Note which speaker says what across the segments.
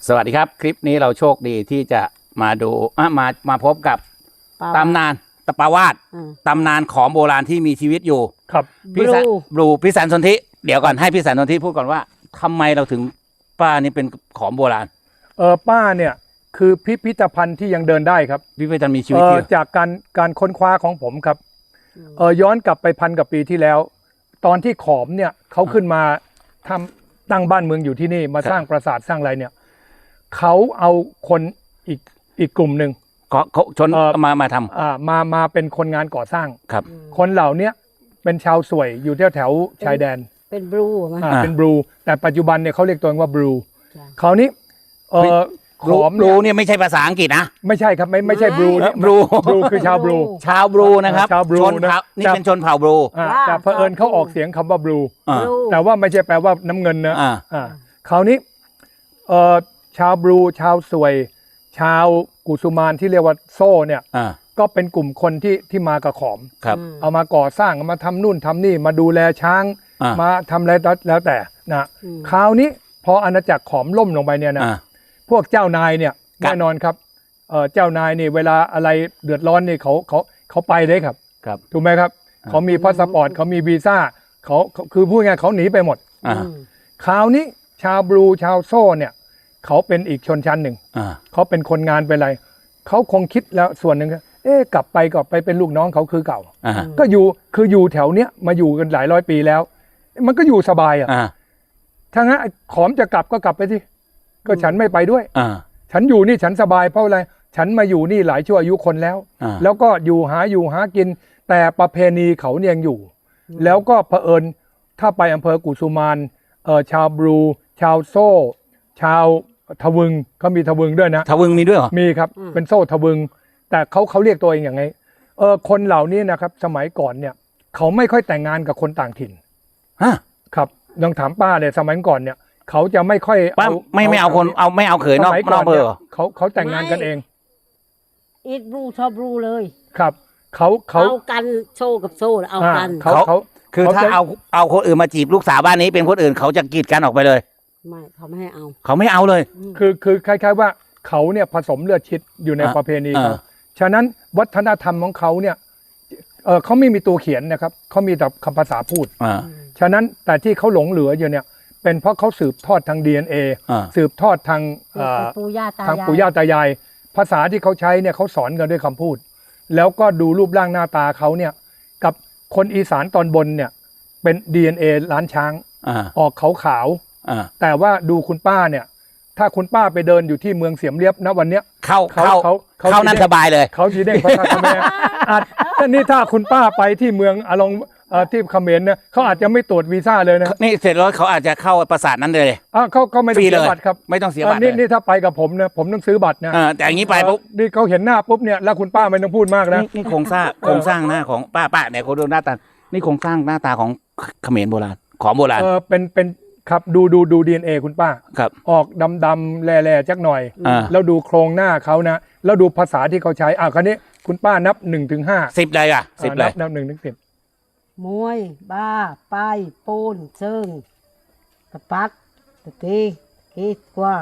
Speaker 1: สวัสดีครับคลิปนี้เราโชคดีที่จะมาดูมาพบกับตำนานตะปาวาดตำนานของโบราณที่มีชีวิตอยู่
Speaker 2: ครับ
Speaker 1: พี่สันสนธิเดี๋ยวก่อนให้พี่สันสนธิพูดก่อนว่าทำไมเราถึงป้านี่เป็นของโบราณ
Speaker 2: ป้าเนี่ยคือพิพิธภัณฑ์ที่ยังเดินได้ครับ
Speaker 1: พิพิธภัณฑ์มีชีวิตอยู่
Speaker 2: จากการค้นคว้าของผมครับย้อนกลับไป1,000 กว่าปีที่แล้วตอนที่ขอมเนี่ยเขาขึ้นมาตั้งบ้านเมืองอยู่ที่นี่มาสร้างปราสาทสร้างอะไรเนี่ยเขาเอาคนอีกกลุ่มหนึ่ง
Speaker 1: เขาชนมาท
Speaker 2: ำมาเป็นคนงานก่อสร้าง
Speaker 1: ครับ
Speaker 2: คนเหล่านี้เป็นชาวสวยอยู่แถวชายแดน
Speaker 3: เป็นบลู
Speaker 2: เป็นบลูแต่ปัจจุบันเนี่ยเขาเรียกตัวเองว่าบลูคราวนี้
Speaker 1: ขอมบลูเนี่ยไม่ใช่ภาษาอังกฤษนะ
Speaker 2: ไม่ใช่ครับไม่ใช่บลู
Speaker 1: บลู
Speaker 2: คือชาวบ
Speaker 1: ลูนะครับ
Speaker 2: ชาวบลู
Speaker 1: นี่เป็นชนเผ่าบลู
Speaker 2: แต่เผอิญเขาออกเสียงคำว่าบลูแต่ว่าไม่ใช่แปลว่าน้ำเงินนะคราวนี้ชาวบลูชาวสวยชาวกุสุมานที่เรียกว่าโซ่เนี่ยก็เป็นกลุ่มคนที่มากับขอมเอามาก่อสร้างมาทำนู่นทำนี่มาดูแลช้างมาทำอะไรแล้วแต่นะคราวนี้พออาณาจักรขอมล่มลงไปเนี่ยนะพวกเจ้านายเนี่ยแน่นอนครับเจ้านายนี่เวลาอะไรเดือดร้อนนี่เขาไปเลยครับถูกไหมครับเขามีพาสปอร์ตเขามีวีซ่าเขาคือพูดง่ายเขาหนีไปหมดคราวนี้ชาวบลูชาวโซ่เนี่ยเขาเป็นอีกชนชั้นหนึ่งเขาเป็นคนงานเป็นอะไรเขาคงคิดแล้วส่วนหนึ่งกลับไปเป็นลูกน้องเขาคือเก่าก็อยู่แถวเนี้ยมาอยู่กันหลายร้อยปีแล้วมันก็อยู่สบายถ้างั้นขอมจะกลับก็กลับไปที่ก็ฉันไม่ไปด้วยฉันอยู่นี่ฉันสบายเพราะอะไรฉันมาอยู่นี่หลายชั่วอายุคนแล้วก็อยู่หากินแต่ประเพณีเขาเนี่ยยังอยู่แล้วก็เผอิญถ้าไปอำเภอกุสุมานชาวบลูชาวโซ่ชาวทวึงเขามีทวึงด้วยนะ
Speaker 1: ทวึงมีด้วยเหรอ
Speaker 2: มีครับเป็นโซ่ทวึงแต่เขาเรียกตัวเองอย่างไงคนเหล่านี้นะครับสมัยก่อนเนี่ยเขาไม่ค่อยแต่งงานกับคนต่างถิ่นครับลองถามป้าเลยสมัยก่อนเนี่ยเขาจะไม่ค่อย
Speaker 1: ไม่เอาคนไม่เอาเขยนอกเบอร์
Speaker 2: เขาแต่งงานกันเอง
Speaker 3: อีทบลูชอบบลูเลย
Speaker 2: ครับเขา
Speaker 3: กันโซ่กับโซ่เอากัน
Speaker 2: เขา
Speaker 1: คือถ้าเอาคนอื่นมาจีบลูกสาวบ้านนี้เป็นคนอื่นเขาจะกีดกันออกไปเลย
Speaker 3: ไม่เขาไม่ให้เอา
Speaker 1: เขาไม่เอาเลย
Speaker 2: คือคล้ายๆว่าเขาเนี่ยผสมเลือดชิดอยู่ในประเพณีเขาฉะนั้นวัฒนธรรมของเขาเนี่ยเขาไม่มีตัวเขียนนะครับเขามีแต่คำภาษาพูดฉะนั้นแต่ที่เขาหลงเหลืออยู่เนี่ยเป็นเพราะเขาสืบทอดทาง DNA สืบทอดทาง
Speaker 3: ปู่ย่า
Speaker 2: ตายายภาษาที่เขาใช้เนี่ยเขาสอนกันด้วยคำพูดแล้วก็ดูรูปร่างหน้าตาเขาเนี่ยกับคนอีสานตอนบนเนี่ยเป็น DNA ล้านช้างออกขาวแต่ว่าดูคุณป้าเนี่ยถ้าคุณป้าไปเดินอยู่ที่เมืองเสียมเรียบนะวันเนี้ย
Speaker 1: เข้านั่นสบายเลย
Speaker 2: เขาจีเด้งพระธาตุแม่แต่นี่ถ้าคุณป้าไปที่เมืองที่เขมรเนี่ยเขาอาจจะไม่ตรวจวีซ่าเลยนะ
Speaker 1: นี่เสร็จแล้วเขาอาจจะเข้าปราสาทนั้นเลย
Speaker 2: เขาไม่ต้องเสียบัตรครับ
Speaker 1: ไม่ต้องเสียบัตร
Speaker 2: นี่ถ้าไปกับผมเนี่ยผมต้องซื้อบัตรนะ
Speaker 1: แต่อย่างนี้ไปปุ๊บ
Speaker 2: นี่เขาเห็นหน้าปุ๊บเนี่ยแล้วคุณป้าไม่ต้องพูดมากนะ
Speaker 1: นี่โครงสร้างหน้าของป้าเนี่ยเขาดูหน้าตานี่โครงสร้างหน้าตาของเขมรโบราณของโบราณ
Speaker 2: เป็นครับดู DNA คุณป้า
Speaker 1: ครับ
Speaker 2: ออกดำๆแหล่ๆจักหน่อยแล้วดูโครงหน้าเขานะแล้วดูภาษาที่เขาใช้คราวนี้คุณป้านับ1 ถึง 5
Speaker 1: 10เลย10เลย
Speaker 2: นับ1 ถึง 10
Speaker 3: มวยบ้าป้ายปูนเชิงกระปัดตะกี้กว่า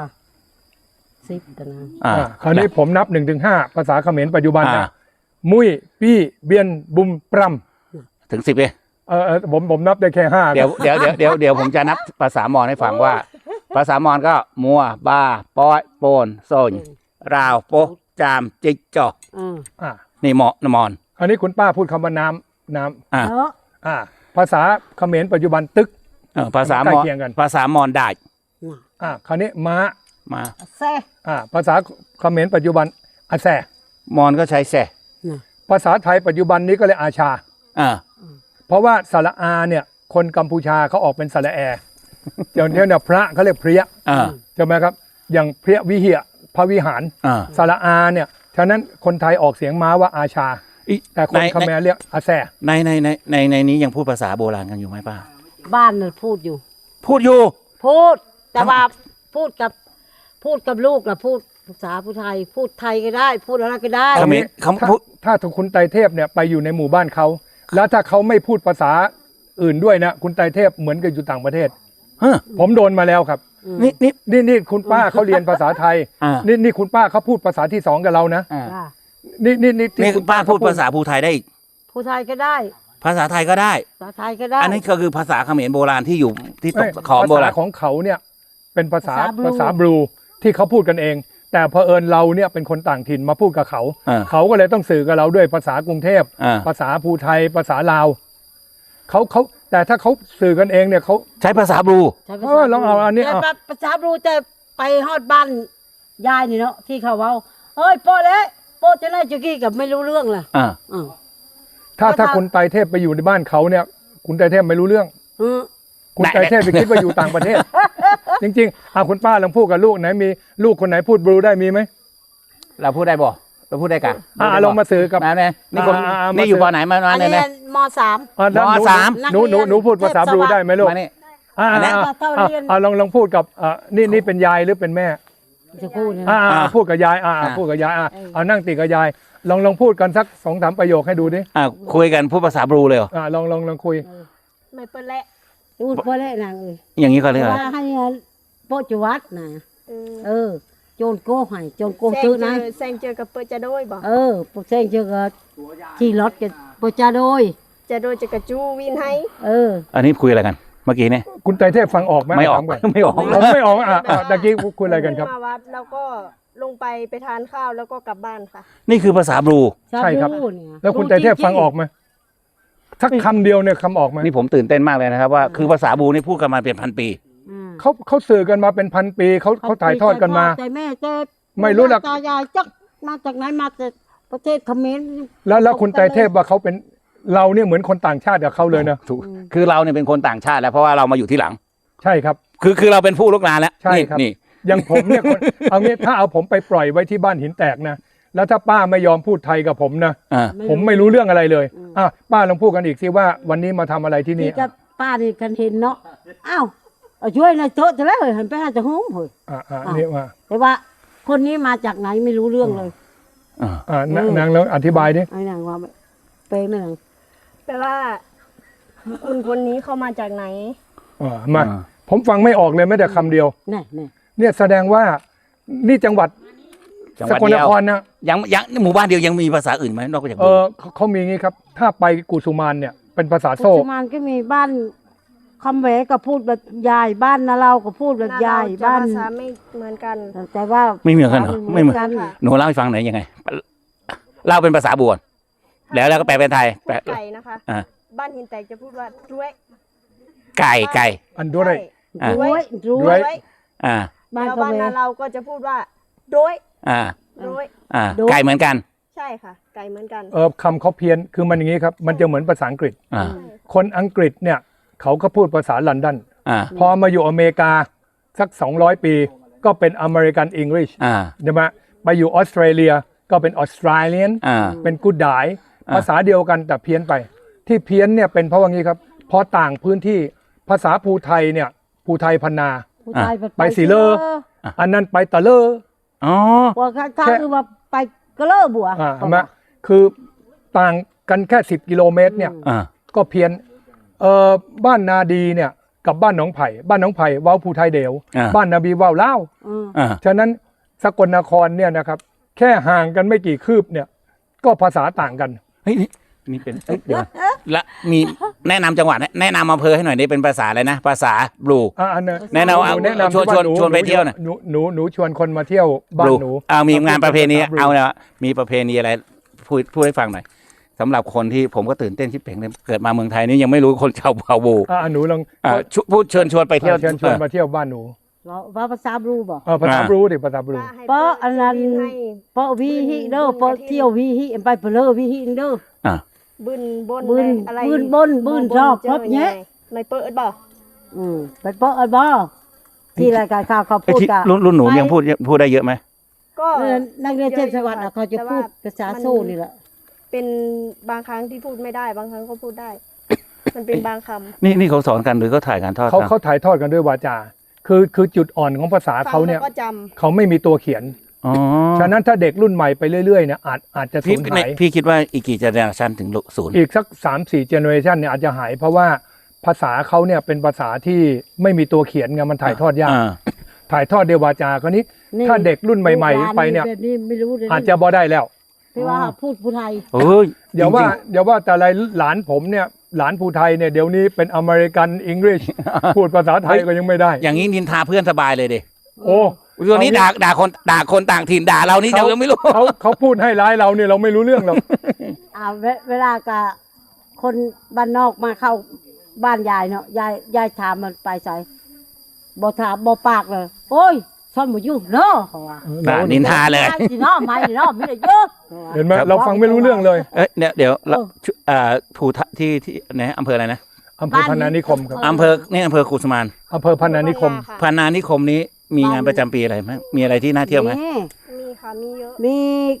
Speaker 3: 10ตนะ
Speaker 2: คราวนี้ผมนับ1 ถึง 5ภาษาเขมรปัจจุบันนะมุ้ยปี้เบียนบุมปรำ
Speaker 1: ถึง10เลย
Speaker 2: ผมนับได้แค่5
Speaker 1: เดี๋ยวผมจะนับภาษามอญให้ฟังว่าภาษามอญก็มัวบ้าป้อยโปนโซนราวโปจามจิกจอกนี่มอญ
Speaker 2: อันนี้คุณป้าพูดคำว่าน้ำภาษาเขมรปัจจุบันตึก
Speaker 1: ภาษามอญได้
Speaker 2: คราวนี้ม้า
Speaker 3: แซ่
Speaker 2: ภาษาเขมรปัจจุบันอาแซ
Speaker 1: มอญก็ใช้แซ
Speaker 2: ภาษาไทยปัจจุบันนี้ก็เลยอาชาเพราะว่าสระอาเนี่ยคนกัมพูชาเขาออกเป็นสระแออย่างที่เนี่ยพระเขาเรียกเพรียใช่ไหมครับอย่างเพรียวิเหียพระวิหารสระอาเนี่ยฉะนั้นคนไทยออกเสียงม้าว่าอาชาแต่คนเขมรเรียกอาแซ
Speaker 1: ในนี้ยังพูดภาษาโบราณกันอยู่ไหมป้า
Speaker 3: บ้านเนี่ยพูดอยู่แต่ว่าพูดกับลูกนะพูดภาษาผู้ไทยพูดไทยก็ได้พูดอะไรก็ได้
Speaker 2: ถ้าคุณไตรเทพเนี่ยไปอยู่ในหมู่บ้านเขาแล้วถ้าเขาไม่พูดภาษาอื่นด้วยนะคุณไตรเทพเหมือนกับอยู่ต่างประเทศผมโดนมาแล้วครับนี่คุณป้าเขาเรียนภาษาไทยนี่คุณป้าเขาพูดภาษาที่สองกับเรานะ
Speaker 1: นี่คุณป้าพูดภาษาภูไทยได้อีก
Speaker 3: ภูไทยก็ได้
Speaker 1: ภาษาไทยก็ได้
Speaker 3: ภาษาไทยก็ได้
Speaker 1: อันนี้ก็คือภาษาเขมรโบราณที่อยู่ที่ตกขอมโบราณ
Speaker 2: ภาษาของเขาเนี่ยเป็นภาษาบลูที่เขาพูดกันเอง แต่เผอิญเราเนี่ยเป็นคนต่างถิ่นมาพูดกับเขาเขาก็เลยต้องสื่อกับเราด้วยภาษากรุงเทพภาษาภูไทยภาษาลาวเขาแต่ถ้าเขาสื่อกันเองเนี่ยเขา
Speaker 1: ใช้ภาษาบลู
Speaker 2: ลองเอาอันนี้
Speaker 3: ภาษาบลูจะไปฮอดบ้านยายนี่เนาะที่เขาเว้าเฮ้ยโป้เลยโป้จะได้จุกี้กับไม่รู้เรื่องเลย
Speaker 2: ถ้าคุณไตรเทพไปอยู่ในบ้านเขาเนี่ยคุณไตรเทพไม่รู้เรื่องคุณไตรเทพไปคิดว่าอยู่ต่างประเทศจริงๆคุณป้าลองพูดกับลูกไหนมีลูกคนไหนพูดบลูได้มีไหม
Speaker 1: เราพูดได้บ่เราพูดได้กัน
Speaker 2: ลองมาสื่อกับ
Speaker 1: นี่อยู่ปอไหนมาเนี่ย
Speaker 3: ม.3
Speaker 2: หนูพูดภาษาบลูได้ไหมลูกลองพูดกับนี่เป็นยายหรือเป็นแม่
Speaker 3: จะพูด
Speaker 2: พูดกับยายพูดกับยายเอานั่งติดกับยายลองพูดกันสัก2-3 ประโยคให้ดูดิ
Speaker 1: คุยกันพูดภาษาบลูเลยเหรอ
Speaker 2: ลองคุย
Speaker 3: ไม่เปิดแหละพูดเปิดแหละนาง
Speaker 1: อย่างนี้ก็เลย
Speaker 3: ว่าให้โปจวัดนะโจนโก้ให้โจนโก้ตื้อนะ
Speaker 4: แซงเจอกับเปิดจะโดยบ่
Speaker 3: แซงเจอกับขี่รถกับเปิดจะโดย
Speaker 4: จะกับจูวินให้
Speaker 1: อันนี้คุยอะไรกันเมื่อกี้เนี่ย
Speaker 2: คุณไตรเทพฟังออกไหม
Speaker 1: ไม่ออกไม่ออก
Speaker 2: ตะกี้คุยอะไรกันครับ
Speaker 4: มาวัดแล้วก็ลงไปทานข้าวแล้วก็กลับบ้านค่ะ
Speaker 1: นี่คือภาษาบลู
Speaker 2: ใช่ครับแล้วคุณไตรเทพฟังออกไหมสักคำเดียวเนี่ยคำออกไหม
Speaker 1: นี่ผมตื่นเต้นมากเลยนะครับว่าคือภาษาบลูนี่พูดกันมาเป็นพันปี
Speaker 2: เขาสื่อกันมาเป็นพันปีเขาถ่ายทอดกันมา
Speaker 3: แต่แม่จะ
Speaker 2: ไม่รู้หรอก
Speaker 3: ตายายจักมาจากไหนมาจากประเทศเขมร
Speaker 2: แล้วคุณไตรเทพว่าเขาเป็นเราเนี่ยเหมือนคนต่างชาติกับเขาเลยนะ
Speaker 1: ถูกคือเราเนี่ยเป็นคนต่างชาติแล้วเพราะว่าเรามาอยู่ที่หลัง
Speaker 2: ใช่ครับ
Speaker 1: คือเราเป็นผู้ลุกนานแล้ว
Speaker 2: ใช่ครับนี่อย่างผมเนี่ยเอางี้ถ้าเอาผมไปปล่อยไว้ที่บ้านหินแตกนะแล้วถ้าป้าไม่ยอมพูดไทยกับผมนะผมไม่รู้เรื่องอะไรเลยป้าลองพูดกันอีกสิว่าวันนี้มาทำอะไรที่นี่
Speaker 3: กับป้านี่กันเห็นเนาะอ้าวช่วยในโต๊ะจะแล้วเห็นไปหาจะหุ้มเหรอ
Speaker 2: นี่ว่า
Speaker 3: แต่ว่าคนนี้มาจากไหนไม่รู้เรื่องเลย
Speaker 2: นางแล้วอธิบายดิ
Speaker 3: ไอ้นางว่าเป๊ะไหมนาง
Speaker 4: แปลว่าคนนี้เขามาจากไหน
Speaker 2: มาผมฟังไม่ออกเลยแม้แต่คำเดียวเนี่ยแสดงว่านี่จังหวัดสกลนครนะ
Speaker 1: ยังหมู่บ้านเดียวยังมีภาษาอื่นไหมนอกจาก
Speaker 2: เขามีงี้ครับถ้าไปกุสุมานเนี่ยเป็นภาษาโซ่
Speaker 3: กุสุมานก็มีบ้านคำแหวก็พูดแบบยายบ้านนาเราก็พูดแบบยายบ้าน
Speaker 4: ภาษาไม่เหมือนกัน
Speaker 3: แต่ว่า
Speaker 1: ไม่เหมือนกันเหรอไม่เหมือนกันหนูเล่าให้ฟังหน่อยยังไงเล่าเป็นภาษาบวนแล้วก็แปลเป็นไทย
Speaker 4: ไก่นะคะบ้านหินแตกจะพูดว่าด้วย
Speaker 1: ไก่
Speaker 2: อันด้วย
Speaker 4: บ้านนาเราก็จะพูดว่าด้วย
Speaker 1: ไก่เหมือนกัน
Speaker 4: ใช่ค่ะไก่เหมือนกัน
Speaker 2: คำเขาเพี้ยนคือมันอย่างนี้ครับมันจะเหมือนภาษาอังกฤษคนอังกฤษเนี่ยเขาก็พูดภาษาลอนดอนพอมาอยู่อเมริกาสัก200 ปีก็เป็นอเมริกันอังกฤษใช่ไหมไปอยู่ออสเตรเลียก็เป็นออสเตรเลียนเป็นกูดไดภาษาเดียวกันแต่เพี้ยนไปที่เพี้ยนเนี่ยเป็นเพราะว่างี้ครับพอต่างพื้นที่ภาษาภูไทยเนี่ยภูไทยพนาไปสีเลออันนั้นไปตะเลอ
Speaker 3: ว่าข้าคือว่าไปกระเลอบัว
Speaker 2: ใช่ไหมคือต่างกันแค่10 กิโลเมตรเนี่ยก็เพี้ยนบ้านนาดีเนี่ยกับบ้านหนองไผ่บ้านหนองไผ่ว้าวภูไทยเดียวบ้านนาบีว้าวเล่าฉะนั้นสกลนครเนี่ยนะครับแค่ห่างกันไม่กี่คืบเนี่ยก็ภาษาต่างกัน
Speaker 1: นี่เป็นเดี๋ยวและมีแนะนำจังหวัดแนะนำอำเภอให้หน่อยนี่เป็นภาษาอะไรนะภาษาบลูแนะนำชวนไปเที่ยวหน่อย
Speaker 2: หนูชวนคนมาเที่ยวบ้านหนู
Speaker 1: มีงานประเพณีเอาเนี่ยมีประเพณีอะไรพูดให้ฟังหน่อยสำหรับคนที่ผมก็ตื่นเต้นที่เป่งเลยเกิดมาเมืองไทยนี่ยังไม่รู้คนชาวบลู
Speaker 2: หนูลอง
Speaker 1: พูดเชิญชวนไปเที่ยว
Speaker 2: เชิญชวนมาเที่ยวบ้านหนู
Speaker 3: ว่าภาษาบลูบ่
Speaker 2: ภาษาบลูดิภาษาบลู
Speaker 3: เพราะอันนั้นเพราะวิฮิเด้อเพราะเที่ยววิฮิไปเพลอวิฮิเด้อ
Speaker 4: บึนบน
Speaker 3: อะไรบึนชอบครบเนี้ย
Speaker 4: ไม่เปิดบ่
Speaker 3: ไปเปิดบ่ที่รายการข่าวเขาพูดกัน
Speaker 1: รุ่นหนูยังพูดได้เยอะไหม
Speaker 3: ก็นักเรียนเทศบาลเขาจะพูดภาษาโซ่นี่แหละ
Speaker 4: เป็นบางครั้งที่พูดไม่ได้บางครั้งเขาพูดได้มันเป็นบางคำ
Speaker 1: นี่เขาสอนกันหรือเขาถ่ายกันทอด
Speaker 2: เขาถ่ายทอดกันด้วยวาจาคือจุดอ่อนของภาษาเขาเนี่ยเขาไม่มีตัวเขียนฉะนั้นถ้าเด็กรุ่นใหม่ไปเรื่อยๆเนี่ยอาจจะสูญหาย
Speaker 1: พี่คิดว่าอีกกี่เจเนอเรชันถึงศูนย์
Speaker 2: อีกสัก 3-4 เจเนอเรชันเนี่ยอาจจะหายเพราะว่าภาษาเขาเนี่ยเป็นภาษาที่ไม่มีตัวเขียนไงมันถ่ายทอดยากถ่ายทอดด้วยวาจากราวนี้ถ้าเด็กรุ่นใหม่ๆไปเนี่ย
Speaker 3: แบบนี้ไม่รู้เลย
Speaker 2: อาจจะบ่ได้แล้ว
Speaker 3: ที่ว่าพูดผู้ไทย
Speaker 1: เอ้ย
Speaker 2: เดี๋ยวว่าแต่อะไรหลานผมเนี่ยหลานภูไทยเนี่ยเดี๋ยวนี้เป็นอเมริกันอังกฤษ พูดภาษาไทยก็ยังไม่ได้
Speaker 1: อย่างนี้นินทาเพื่อนสบายเลยดิ
Speaker 2: โอ้
Speaker 1: ตัวนี้ด่าคนต่างถิ่นด่าเรานี่เรายังไม่รู้
Speaker 2: เขาพูดให้ร้ายเราเนี่ยเราไม่รู้เรื่องหรอก
Speaker 3: เวลากับคนบ้านนอกมาเข้าบ้านยายเนาะยายถามมันไปใส่บ่ถามบ่ปากเลยโอ้ยซ่อมบ่อยู่เนาะเขาว่า
Speaker 1: นินทาเลย
Speaker 3: สิเนาะไม่เนาะไม่ได้เยอะ
Speaker 2: เห็นไหมเราฟังไม่รู้เรื่องเลย
Speaker 1: เอ้ยเดี๋ยวภูที่ไหนอำเภออะไรนะ
Speaker 2: อำเภอพนานิคมครับ
Speaker 1: อำเภอนี่อำเภอกุสมาน
Speaker 2: อำเภอพนานิคม
Speaker 1: พนานิคมนี้มีงานประจำปีอะไรไหมมีอะไรที่น่าเที่ยวไหม
Speaker 4: มีค่ะมีเยอะ
Speaker 3: มี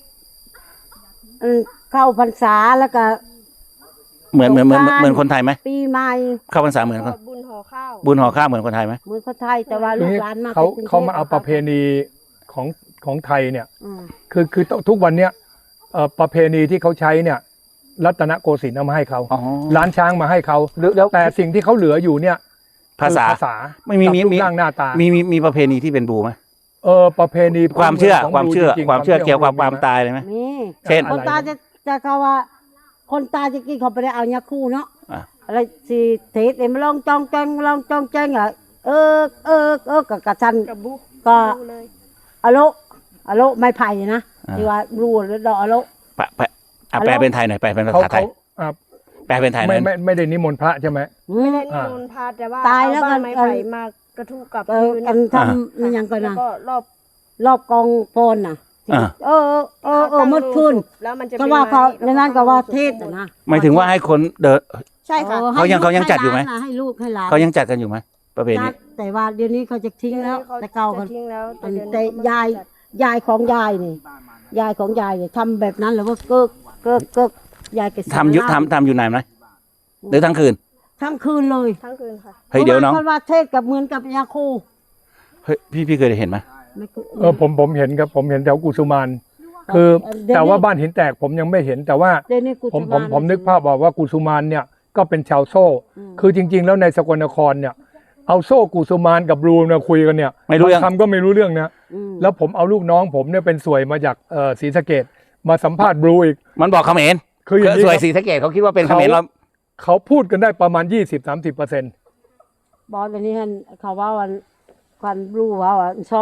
Speaker 3: เข้าพรรษาแล้วก็
Speaker 1: เหมือนคนไทยไหม
Speaker 3: ปีใหม่
Speaker 1: เข้าพรรษาเหมือนคน
Speaker 4: บุญห่อข้าว
Speaker 1: บุญห่อข้าวเหมือนคนไทยไหม
Speaker 3: เหมือนคนไทยแต่ว่าลูกหลานมา
Speaker 2: เขามาเอาประเพณีของไทยเนี่ย
Speaker 3: อืม
Speaker 2: คือทุกวันเนี้ยประเพณีที่เขาใช้เนี่ยรัตนโกสินทร์เอามาให้เขา
Speaker 1: อ๋อ
Speaker 2: ล้านช้างมาให้เขา
Speaker 1: แล้ว
Speaker 2: แต่สิ่งที่เขาเหลืออยู่เนี่ย
Speaker 1: ภาษา
Speaker 2: คือภาษา
Speaker 1: ไม่มี
Speaker 2: กับรูปร่างหน้าตา
Speaker 1: มีประเพณีที่เป็นบูไหม
Speaker 2: ประเพณี
Speaker 1: ความเชื่อ
Speaker 2: ของ
Speaker 1: ความเชื่อ
Speaker 2: จริงๆ
Speaker 1: ความเชื่อเกี่ยวกับความ
Speaker 2: มีไห
Speaker 1: ตายเลยไหม
Speaker 3: นี่
Speaker 1: เช่น
Speaker 3: คนตายจะเขาว่า คนตายจะกินเขาไปได้เอายาคู่เนาะ
Speaker 1: อ่ะ
Speaker 3: อะไรสิเทศเอ็มลองจองแจงลองจองแจงอ่ะกับกระชัน
Speaker 4: กับบุ
Speaker 3: ก็
Speaker 4: ดูเลย
Speaker 3: อะโลไม่ไผ่นะที่ว่ารูแล้วดอกอะโล
Speaker 1: แปลเป็นไทยหน่อยแปลเป็นภาษาไทย
Speaker 2: อ่า
Speaker 1: แปลเป็นไทยหน่อย
Speaker 2: ไม่ได้นิมนต์พระใช่ไหม
Speaker 4: ไม่ได้นิมนต์พระแต่ว่า
Speaker 3: ตายแล้ว
Speaker 4: เอ
Speaker 3: กั
Speaker 4: บ้าน นไม้ไผ่มากระทุกับ
Speaker 3: อันทำมันยังก่อน
Speaker 4: แล้ว
Speaker 3: นะ
Speaker 4: ก็รอบ
Speaker 3: รอบกองโฟนน่ะ
Speaker 1: อ่า
Speaker 3: มืดคืน
Speaker 4: แล้วมันจะ
Speaker 3: ก็ว่าเขาในนั้นก็ว่าเทศนะ
Speaker 1: หมายถึงว่าให้คนเดิน
Speaker 4: ใช่ค่ะ
Speaker 1: เขายังจัดอยู่ไหม
Speaker 3: ให้ลูกให้หลาน
Speaker 1: เขายังจัดกันอยู่ไหมประเพณี
Speaker 3: จัดแต่ว่าเดี๋ยวนี้เขาจะทิ้งแล้ว แต่เก่า
Speaker 4: จะ
Speaker 3: กัน
Speaker 4: ทิ้งแล้ว
Speaker 3: แต่ยายของยายนี่ยายของยายเนี่ยทำแบบนั้นแล้วว่าเกิกยายแก
Speaker 1: ทำอยู่นานไหมหรือทั้งคืน
Speaker 3: ทั้งคืนเลย
Speaker 4: ทั้งคืนค่ะ
Speaker 1: เฮ้ยเดี๋ยวน้อง
Speaker 3: พราะว่าเทศกับเหมือนกับยาคู
Speaker 1: เฮ้ยพี่เคยเห็นไหม
Speaker 3: ไม่เคย
Speaker 2: ผมเห็นครับผมเห็นแถวกุสุมานคือแต่ว่าบ้านหินแตกผมยังไม่เห็นแต่ว่า
Speaker 3: เดี๋ยวนี้กู
Speaker 2: ผมนึกภาพบอกว่ากุสุมานเนี่ยก็เป็นชาวโซ่ คือจริง ๆ แล้วในสกลนครเนี่ยเอาโซ่กุสุมานกับบลูมาคุยกันเนี่ย
Speaker 1: ไม่รู้เรื่อง
Speaker 2: คำก็ไม่รู้เรื่องนะ แล้วผมเอาลูกน้องผมเนี่ยเป็นสวยมาจากศรีสะเกดมาสัมภาษณ์บลูอีก
Speaker 1: มันบอกเขมร
Speaker 2: คืออย่างนี้
Speaker 1: สวย
Speaker 2: ครับ
Speaker 1: ศรีสะเกดเขาคิดว่าเป็นเขมรเรา
Speaker 2: เขาพูดกันได้ประมาณ 20-30%
Speaker 3: บอกเดี๋ยวนี้เขาว่าวันรู้ว่า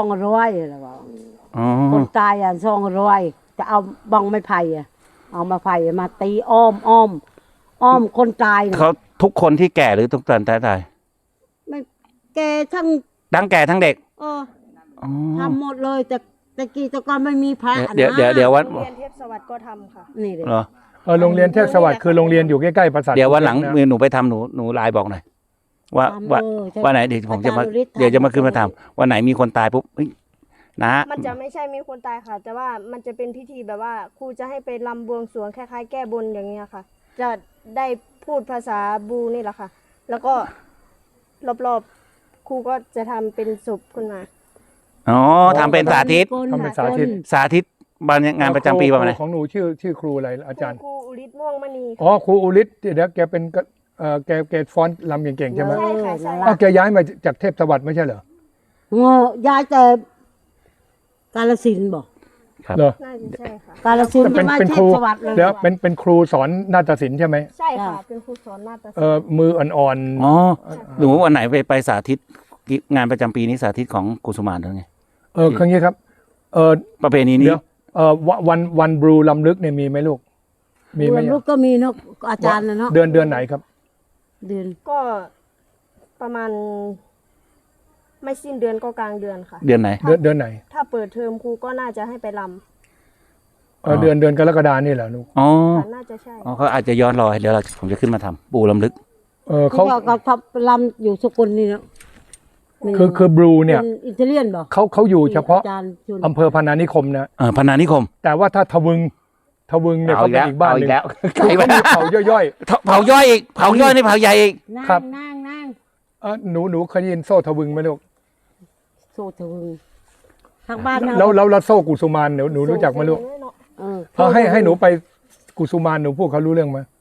Speaker 3: 200อะไรว่า
Speaker 1: อ๋อ
Speaker 3: คนตาย200จะเอาบังไม้ไผ่เอามาไผ่มาตีอ้อมคนตาย
Speaker 1: เขาทุกคนที่แก่หรือทุกตอนตาย
Speaker 3: ไม่แกทั้ง
Speaker 1: ทั้งแก่ทั้งเด็ก
Speaker 3: อ๋อ
Speaker 1: อ๋อ
Speaker 3: ทำหมดเลยแต่กี้แต่ก่อนไม่มีพระ
Speaker 1: เดี๋ยววัน
Speaker 4: โรงเรียนเทพสวัสดิ์ก็ทำค่ะ
Speaker 3: นี่เลย
Speaker 1: เหรอ
Speaker 2: โรงเรียนเทพสวัสดิ์คือโรงเรียนอยู่ใกล้ๆปราสาท
Speaker 1: เดี๋ยววันหลัง
Speaker 2: นะ
Speaker 1: หนูไปทำหนูไลน์บอกหน่อยว่าไหนเดี๋ยวผมจะมา
Speaker 3: อาจารย์ฤทธิ์
Speaker 1: เดี๋ยวจะมาขึ้นมาทำวันไหนมีคนตายปุ๊บเฮ้ยนะ
Speaker 4: มันจะไม่ใช่มีคนตายค่ะ แต่ว่ามันจะเป็นพิธีแบบว่าครูจะให้ไปรำบวงสรวงคล้ายๆแก้บนอย่างเงี้ยค่ะ จะได้พูดภาษาบูนี่แหละค่ะ แล้วก็รอบๆครูก็จะทำเป็นศพขึ้นมา
Speaker 1: อ๋อทำเป็นสาธิต
Speaker 2: ทำเป็นสาธิต
Speaker 1: สาธิตงานประจำปีประมาณไหน
Speaker 2: ของหนูชื่อครูอะไรอาจารย์
Speaker 4: ครูอุริศม่วงมณี
Speaker 2: อ๋อครูอุลิศเดี๋ยวแกเป็นแกฟ้อนรำเก่งๆใช่ไหม
Speaker 4: ใช่ค่ะใช่
Speaker 2: อ้าวแกย้ายมาจากเทพสวัสดิ์ไม่ใช่เหรอ
Speaker 3: ย้ายแต่กาฬสินธุ์บอก
Speaker 2: เหรอ
Speaker 4: น่าจะใช่ค่ะ
Speaker 3: กาฬสินธุ์
Speaker 2: เป็น
Speaker 3: ไม่
Speaker 2: เป็น
Speaker 3: เท
Speaker 2: ครู
Speaker 3: พสวัสดิ์เลย
Speaker 2: เดี๋ยวเป็นครูสอนนาฏศิลป์ใช่ไหม
Speaker 4: ใช่ค่ะ เป็นครูสอนนาฏศิลป์
Speaker 2: มืออ่อน
Speaker 1: อ๋อหนูวันไหนไปสาธิตงานประจำปีนี้สาธิตของกุสุมานหรือไง
Speaker 2: คืออย่างนี้ครับ
Speaker 1: ประเพณีนี้
Speaker 2: เดี๋ยววันบลูลำลึกเนี่ยมีไหมลูกมีไหม
Speaker 3: ลูกก็มีเนาะอาจารย์นะเนาะ
Speaker 2: เดือนไหนครับ
Speaker 3: เดือน
Speaker 4: ก็ประมาณ ไม่สิ้นเดือนก็กลางเดือนค่ะ
Speaker 1: เดือนไหน
Speaker 2: เดือนไหน
Speaker 4: ถ้าเปิดเทอมครูก็น่าจะให้ไปร
Speaker 2: เดือนกรกฎานี่แหละลูก
Speaker 1: อ๋อ
Speaker 4: ำค่ะน่าจะใช่
Speaker 1: อ๋อเขาอาจจะย้อนรอยเดี๋ยวผมจะขึ้นมาทำปูลำลึก
Speaker 2: เขา
Speaker 3: ก็ทำลำอยู่สกุลนี่เนาะ
Speaker 2: คือบลูเนี่ย
Speaker 3: ป็อิตาเลียนบอก
Speaker 2: เขาอยู่เฉพาะ
Speaker 3: อาจารย์จุน
Speaker 2: อำเภอพนานิคมนะ
Speaker 1: พนานิคม
Speaker 2: แต่ว่าถ้าทวึงเนี่ย
Speaker 1: เอา
Speaker 2: เขา
Speaker 1: อีก
Speaker 2: เป็น
Speaker 1: แล้ว
Speaker 2: อีกบ้าน
Speaker 1: เอา
Speaker 2: ห
Speaker 1: อี
Speaker 2: นึ่
Speaker 1: ก
Speaker 2: ง
Speaker 1: แล้วใคร
Speaker 2: เขา
Speaker 1: วะ
Speaker 2: มีเผาย่อย
Speaker 1: เผาย่อยอีกเผาย่อยในเผาใหญ่อีก
Speaker 3: นั่ง
Speaker 2: ครับ
Speaker 3: นั่ง
Speaker 2: ๆหนูเคยได้ยินโซ่ทวึงไหมลูก
Speaker 3: โซทวึงทางบ้าน
Speaker 2: แล้วโซ่กุสุมานหนูรู้จักไหมลูก
Speaker 3: เออ
Speaker 2: ให้หนูไปกุสุมานหนูพูดเขารู้เรื่องไหม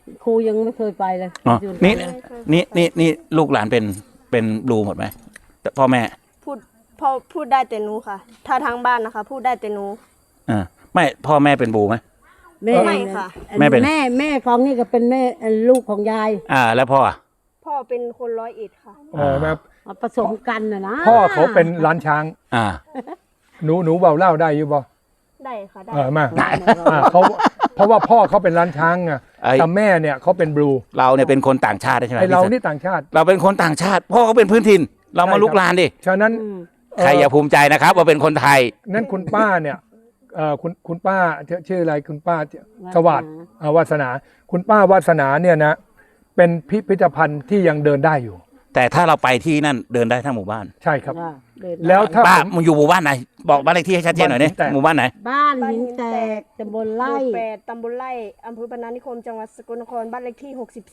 Speaker 3: ครูยังไม่เคยไปเลย
Speaker 1: อ๋อ
Speaker 3: อยู่
Speaker 1: นี่
Speaker 3: ไหเลย
Speaker 1: นี่ลูกหลานเป็นบลูหมดไหมแต่พ่อแม่
Speaker 4: พูดได้แต่หนูค่ะ ถ้าทางบ้านนะคะ พูดได้แต่หนู
Speaker 1: ไม่พ่อแม่เป็นบลูไหม
Speaker 3: แม่
Speaker 4: ไม่ค่ะ
Speaker 1: แม่เป็น
Speaker 3: แม่ของนี่ก็เป็นแม่ลูกของยาย
Speaker 1: แล้วพ่ออ่ะ
Speaker 4: พ่อเป็นคน101ค่ะ
Speaker 2: อ๋อแบบ
Speaker 3: เอาผสมกันนะ
Speaker 2: พ่อเขาเป็นร้านช้าง
Speaker 1: อ่า
Speaker 2: หนูเบาเล่าได้อยู่บ่
Speaker 4: ได้ค่ะได้
Speaker 2: มาเขาเพราะว่าพ่อเขาเป็นร้านช้างไง
Speaker 1: ไอ้
Speaker 2: แต่แม่เนี่ยเขาเป็นบลู
Speaker 1: เราเนี่ยเป็นคนต่างชาติใช่ไหม
Speaker 2: ไอเรา
Speaker 1: พี่สัน
Speaker 2: นี่ต่างชาติ
Speaker 1: เราเป็นคนต่างชาติ พ่อเขาเป็นพื้นถิ่น เรามา
Speaker 2: ใช่ครับ
Speaker 1: ลุกลานดิ
Speaker 2: ฉะนั้น
Speaker 1: ใครอย่าภูมิใจนะครับ ว่าเป็นคนไทย
Speaker 2: นั้นคุณป้าเนี่ยคุณป้าชื่ออะไรคุณป้าสวัสดิ์วาสนา คุณป้าวาสนาเนี่ยนะเป็นพิพิธภัณฑ์ที่ยังเดินได้อยู่
Speaker 1: แต่ถ้าเราไปที่นั่นเดินได้ทั้งหมู่บ้าน
Speaker 2: ใช่ครับ
Speaker 3: จ้ะเดิน
Speaker 2: แล้วถ้า
Speaker 1: ป้า
Speaker 2: ผม
Speaker 1: มึงอยู่หมู่บ้านไหนบอกบ้านเลขที่ให้ชัดเจนหน่อยดิ
Speaker 2: บ้านหินแตก
Speaker 1: หมู่บ้านไหน
Speaker 3: บ้านหินแตกตำบล
Speaker 4: ไล่
Speaker 3: ไร่
Speaker 4: 8ตำบลไร่อำเภอพนานิคมจังหวัดสกลนครบ้านเลขที่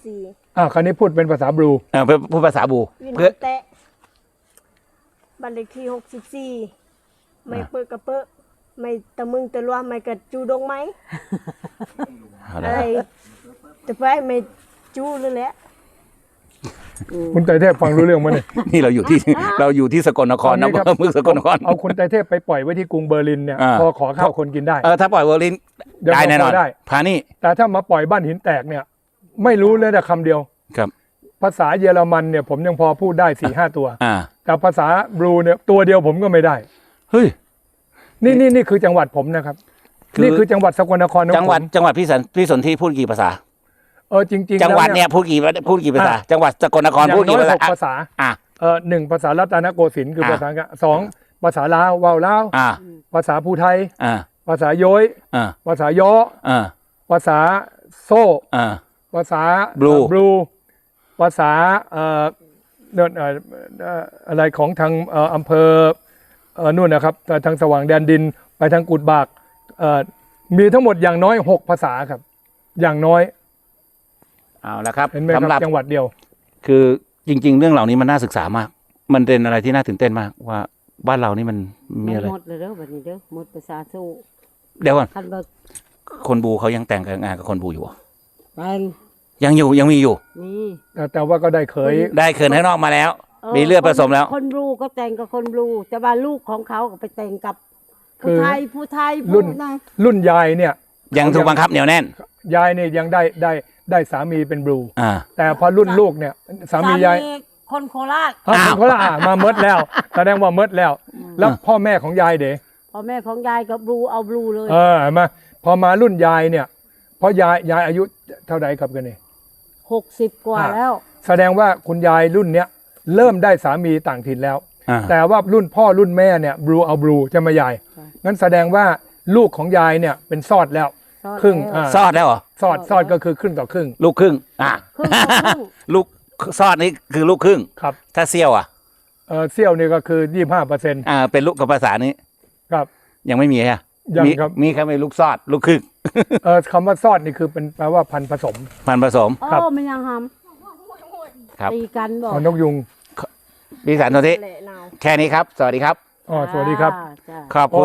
Speaker 4: 64
Speaker 2: คราวนี้พูดเป็นภาษาบลู
Speaker 1: พูดภาษาบู
Speaker 4: วิน
Speaker 1: เพื่อ
Speaker 4: แตะบ้านเลขที่64ไม่เปิดกระเปอะไม่ตะมึงตะลัวไม่กระจูดงไหม
Speaker 1: เอา
Speaker 4: อะ
Speaker 1: ละ
Speaker 4: ไรจะไปไม่จูเลยแหละ
Speaker 2: คุณไตรเทพฟังรู้เรื่องมั้ยเนี่ย
Speaker 1: นี่เราอยู่ที่สกลนครนะ
Speaker 2: ตอนนี้ครับ
Speaker 1: เมืองสกลนคร
Speaker 2: เอาคุณไตรเทพไปปล่อยไว้ที่กรุงเบอร์ลินเนี่ย
Speaker 1: อ่า
Speaker 2: พอขอข้าวคนกินได้
Speaker 1: ถ้าปล่อยเวอร์ลิน
Speaker 2: เดี๋ยว
Speaker 1: ได้แน่นอน
Speaker 2: พอได้
Speaker 1: พานี่
Speaker 2: แต่ถ้ามาปล่อยบ้านหินแตกเนี่ย ไม่รู้เลยแต่คำเดียว
Speaker 1: ครับ
Speaker 2: ภาษาเยอรมันเนี่ยผมยังพอพูดได้4-5 ตัว
Speaker 1: อ่า
Speaker 2: แต่ภาษาบลูเนี่ยตัวเดียวผมก็ไม่ได้
Speaker 1: เฮ้ย
Speaker 2: นี่คือจังหวัดผมนะครับ
Speaker 1: คือ
Speaker 2: นี่คือจังหวัดสกลนครของ
Speaker 1: จังหวัด
Speaker 2: ผม
Speaker 1: จังหวัดพี่สนที่พูดกี่ภาษา
Speaker 2: จริงๆ
Speaker 1: จังหวัด
Speaker 2: แล้
Speaker 1: เนี่ยพูดกี่ภาษา จังหวัดสกลนคร
Speaker 2: อย่าง
Speaker 1: พูด
Speaker 2: น้
Speaker 1: กี่
Speaker 2: อย
Speaker 1: ภาษา
Speaker 2: 6 ภาษา
Speaker 1: อ่ะ
Speaker 2: 1 ภาษารัตนโกสินทร์คือ
Speaker 1: อ่า
Speaker 2: ภาษาอังกฤษ2 ภาษาลาวว่าวลาว
Speaker 1: อ่า
Speaker 2: ภาษาภูไทย
Speaker 1: อ่า
Speaker 2: ภาษาโย้ย
Speaker 1: อ่า
Speaker 2: ภาษาย้อ
Speaker 1: อ่า
Speaker 2: ภาษาโซ่
Speaker 1: อ่า
Speaker 2: ภาษา
Speaker 1: Blue
Speaker 2: บลูภาษาอะไรของทางอำเภอนู่นนะครับทางสว่างแดนดินไปทางกุดบากมีทั้งหมดอย่างน้อย6 ภาษาครับ อย่างน้อย
Speaker 1: เอาละครับ
Speaker 2: เห็นไหมค
Speaker 1: สำหรั
Speaker 2: รั
Speaker 1: บบ
Speaker 2: จังหวัดเดียว
Speaker 1: คือจริง ๆ เรื่องเหล่านี้มันน่าศึกษามาก มันเป็นอะไรที่น่าตื่นเต้นมากว่าบ้านเรานี่มันมีอะไร
Speaker 3: หมดเลยเด้อบัดนี้เด้อหมดภาษาสู้
Speaker 1: เดี๋ยวก่อน
Speaker 3: คันบ่
Speaker 1: คนบูเขายังแต่งงานกับคนบูอยู่เหรอ
Speaker 3: แปลง
Speaker 1: ยังมีอยู่
Speaker 3: นี่
Speaker 2: แต่ว่าก็ได้เคย
Speaker 1: ได้เขินข้างนอกมาแล้ว มีเลือดผสมแล้ว
Speaker 3: คนบลูก็แต่งกับคนบลูแต่ว่าลูกของเขาก็ไปแต่งกับ
Speaker 2: คื
Speaker 3: ผู้
Speaker 2: อ
Speaker 3: ไทย
Speaker 2: รุ่น
Speaker 3: ผู้นะ
Speaker 2: รุ่นยายเนี่ย
Speaker 1: ยังถูกบังคับเหนียวแน่น
Speaker 2: ยายเนี่ยยังได้สามีเป็นบลู
Speaker 1: อ่า
Speaker 2: แต่พอรุ่นลูกเนี่ยสามียาย
Speaker 3: คนโคราช
Speaker 2: อ้าวเขาละมาเมดแล้วแสดงว่าเมดแล้ว แล้วพ่อแม่ของยายเด๋
Speaker 3: พ่อแม่ของยายกับบลูเอาบลูเลย
Speaker 2: เห็นไหมาพอมารุ่นยายเนี่ยเพราะยายอายุเท่าไหร่ครับกันนี่
Speaker 3: 60 กว่าแล้ว
Speaker 2: แสดงว่าคุณยายรุ่นเนี้ยเริ่มได้สามีต่างถิ่นแล้ว
Speaker 1: อ่า
Speaker 2: แต่ว่ารุ่นพ่อรุ่นแม่เนี่ยบลูเอาบลูจะมายาย
Speaker 3: ใช่
Speaker 2: งั้นแสดงว่าลูกของยายเนี่ยเป็นซอดแล้ว ครึ่ง
Speaker 3: แล้ว
Speaker 1: ซอดแล้วเหรอ
Speaker 2: ซอดก็คือครึ่งต่อครึ่ง
Speaker 1: ลูกครึ่ง อ่ะ
Speaker 3: ครึ่งต่อครึ่ง
Speaker 1: ลูกซอดนี่คือลูกครึ่ง
Speaker 2: ครับ
Speaker 1: ถ้าเซี่ยวอ่ะ
Speaker 2: เซี่ยวนี่ก็คือ 25%
Speaker 1: เป็นลูกกับภาษานี้
Speaker 2: ครับ
Speaker 1: ยังไม่มีอ่ะ
Speaker 2: ยัง
Speaker 1: มี
Speaker 2: ครับ
Speaker 1: มีแค่ไม่ลูกซอด ลูกครึ่ง
Speaker 2: คำว่าซอดนี่คือเป็นแปลว่าพันธุ์ผสม
Speaker 1: พันธุ์ผสม
Speaker 3: โอ้
Speaker 2: ครับ
Speaker 3: มันยังห
Speaker 1: ครับ
Speaker 3: ำตีกันบอก
Speaker 2: เอานกยุง
Speaker 1: พี่สันโทธิ
Speaker 4: แหละนาว
Speaker 1: แค่นี้ครับ สวัสดีครับ
Speaker 2: สวัสดีครับ
Speaker 3: จ้า
Speaker 1: ขอบคุณ